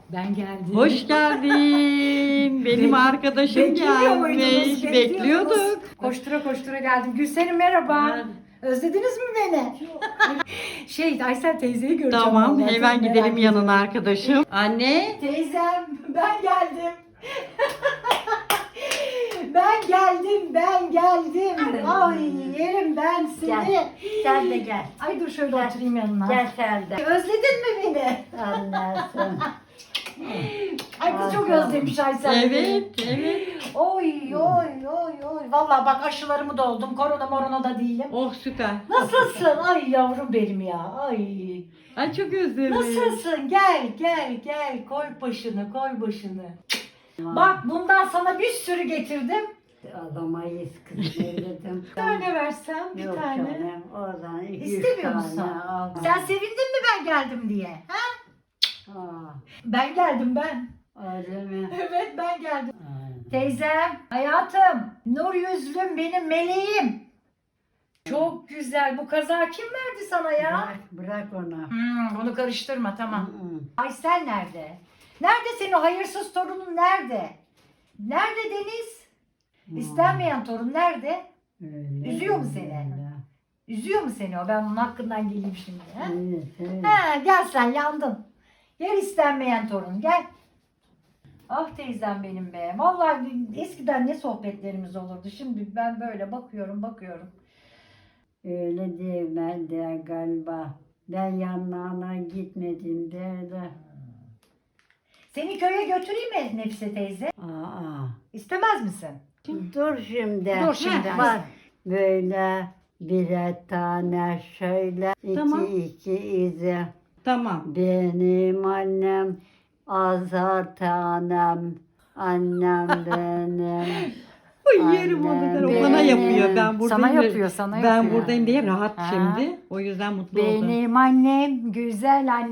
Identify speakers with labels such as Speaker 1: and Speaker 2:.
Speaker 1: Ben geldim.
Speaker 2: Hoş geldin. Benim arkadaşım
Speaker 1: Bekliyor muydunuz?
Speaker 2: gelmiş. Bekliyorduk.
Speaker 1: Koştura koştura geldim. Gülsenim merhaba.
Speaker 2: Merhaba.
Speaker 1: Özlediniz mi beni? Aysel teyzeyi göreceğim.
Speaker 2: Tamam,
Speaker 1: vallahi,
Speaker 2: hemen
Speaker 1: çok merak
Speaker 2: gidelim yanına
Speaker 1: ediyorum.
Speaker 2: arkadaşım. Anne.
Speaker 1: Teyzem ben geldim. ben geldim. Ay yerim ben seni.
Speaker 3: Gel. Sen de gel.
Speaker 1: Ay dur şöyle
Speaker 3: Gel.
Speaker 1: oturayım yanına.
Speaker 3: Gel sen de.
Speaker 1: Özledin mi beni?
Speaker 3: Anlarsın.
Speaker 1: Ay kız çok
Speaker 3: Aferin.
Speaker 1: özlemiş Aysel beni.
Speaker 2: Evet.
Speaker 1: Oy. Vallahi bak aşılarımı da oldum. Korona da değilim.
Speaker 2: Oh süper.
Speaker 1: Nasılsın? Ay yavrum benim ya. Ay.
Speaker 2: Ay çok özledim.
Speaker 1: Nasılsın? Gel. Koy başını. Bak bundan sana bir sürü getirdim.
Speaker 3: Alamayız kız dedim.
Speaker 1: Bir tane versem bir
Speaker 3: Yok
Speaker 1: tane.
Speaker 3: canım. Oradan 200
Speaker 1: İstemiyor musun?
Speaker 3: tane al.
Speaker 1: Sen sevindin mi ben geldim diye? Ha?
Speaker 3: Aa,
Speaker 1: Ben geldim ben.
Speaker 3: öyle mi?
Speaker 1: Evet ben geldim.
Speaker 3: Aa.
Speaker 1: Teyzem, hayatım, nur yüzlüm benim meleğim. Çok güzel. Bu kazağı kim verdi sana ya?
Speaker 3: Bırak onu.
Speaker 1: Onu karıştırma tamam.
Speaker 3: Hı.
Speaker 1: Aysel nerede? Nerede senin o hayırsız torunun nerede? Nerede Deniz? İstenmeyen torun nerede?
Speaker 3: Öyle,
Speaker 1: Üzüyor mu seni?
Speaker 3: öyle.
Speaker 1: Üzüyor mu seni o? Ben onun hakkından geleyim şimdi. Ha?
Speaker 3: Evet.
Speaker 1: Ha, gel sen yandın. Gel istenmeyen torun gel. Ah teyzem benim be. Vallahi eskiden ne sohbetlerimiz olurdu. Şimdi ben böyle bakıyorum.
Speaker 3: Öyle değil ben de galiba. Ben yanlarına gitmedim de.
Speaker 1: Seni köye götüreyim mi Nefise teyze?
Speaker 3: Aa.
Speaker 1: İstemez misin?
Speaker 3: Dur şimdi.
Speaker 1: Dur şimdi.
Speaker 3: Bak böyle birer tane şöyle
Speaker 2: Tamam.
Speaker 3: iki izi.
Speaker 2: Tamam.
Speaker 3: Benim annem azar tanem. Annem benim.
Speaker 2: Ay yerim onu der. O bana
Speaker 3: Annem.
Speaker 2: yapıyor. Ben buradayım.
Speaker 1: Sana yapıyor, sana
Speaker 2: Ben
Speaker 1: yapıyor.
Speaker 2: buradayım diye rahat
Speaker 1: Ha.
Speaker 2: şimdi. O yüzden mutlu oldum.
Speaker 1: Benim annem güzel annem.